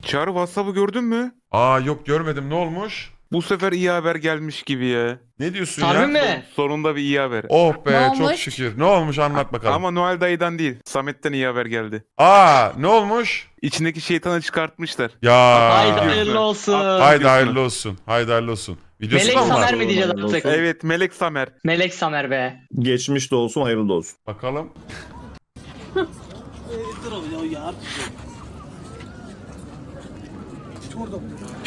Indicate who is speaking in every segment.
Speaker 1: Çağrı WhatsApp'ı gördün mü?
Speaker 2: Aa yok görmedim, ne olmuş?
Speaker 1: Bu sefer iyi haber gelmiş gibi ya.
Speaker 2: Ne diyorsun
Speaker 3: Harbi
Speaker 2: ya?
Speaker 3: mi?
Speaker 1: Sonunda bir iyi haber.
Speaker 2: Oh
Speaker 4: Ne
Speaker 2: be çok
Speaker 4: olmuş?
Speaker 2: şükür. Ne olmuş anlat bakalım.
Speaker 1: Ama Noel dayıdan değil. Samet'ten iyi haber geldi.
Speaker 2: Aa ne olmuş?
Speaker 1: İçindeki şeytanı çıkartmışlar.
Speaker 2: Ya.
Speaker 3: Haydi hayırlı olsun.
Speaker 2: Haydi hayırlı olsun. Haydi hayırlı olsun. Videosu
Speaker 3: Melek
Speaker 2: da mı var?
Speaker 3: Samer mi diyeceğiz
Speaker 5: Hayırlı
Speaker 3: artık?
Speaker 5: olsun.
Speaker 1: Evet, Melek Samer.
Speaker 3: Melek Samer be.
Speaker 5: Geçmiş de olsun, hayırlı da olsun.
Speaker 2: Bakalım.
Speaker 6: छोड़ दो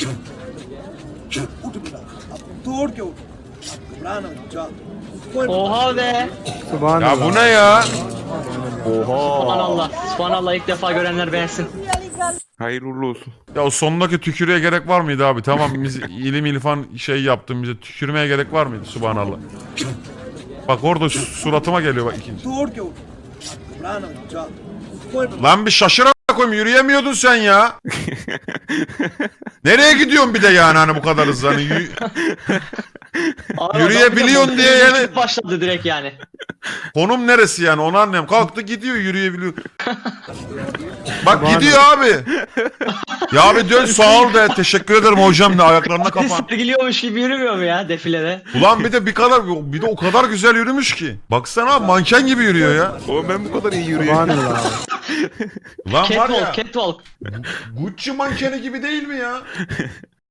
Speaker 6: उठ बेटा अब तोड़ के उठ घबराना जा कोई
Speaker 3: Oha be.
Speaker 2: Ya bu ne ya?
Speaker 3: Subhanallah. Subhanallah ilk defa görenler beğensin.
Speaker 1: Hayırlı uğurlu olsun.
Speaker 2: Ya o sondaki tükürüğe gerek var mıydı abi? Tamam biz ilim ilfan şey yaptım, bize tükürmeye gerek var mıydı? Subhanallah. Bak orada suratıma geliyor bak ikinci.
Speaker 6: तोड़ के उठ घबराना जा कोई
Speaker 2: Lan bir şaşır a**a koyayım, yürüyemiyordun sen ya. Nereye gidiyorsun bir de yani hani bu kadar hızlı hani
Speaker 3: Abi,
Speaker 2: Yürüyebiliyorsun
Speaker 3: adam
Speaker 2: diye
Speaker 3: bir de
Speaker 2: yani-
Speaker 3: başladı direkt yani.
Speaker 2: konum neresi yani onu anlayayım. Kalktı gidiyor, yürüyebiliyor. Bak gidiyor abi. Ya abi dön sağ ol de, teşekkür ederim hocam de, ayaklarına
Speaker 3: Artist
Speaker 2: kapan.
Speaker 3: sergiliyormuş gibi yürümüyor mu ya defilede?
Speaker 2: Ulan bir de o kadar güzel yürümüş ki. Baksana abi manken gibi yürüyor ya.
Speaker 1: Oğlum ben bu kadar iyi yürüyorum.
Speaker 2: Ulan var ya
Speaker 3: Catwalk.
Speaker 2: Gucci mankeni gibi değil mi ya?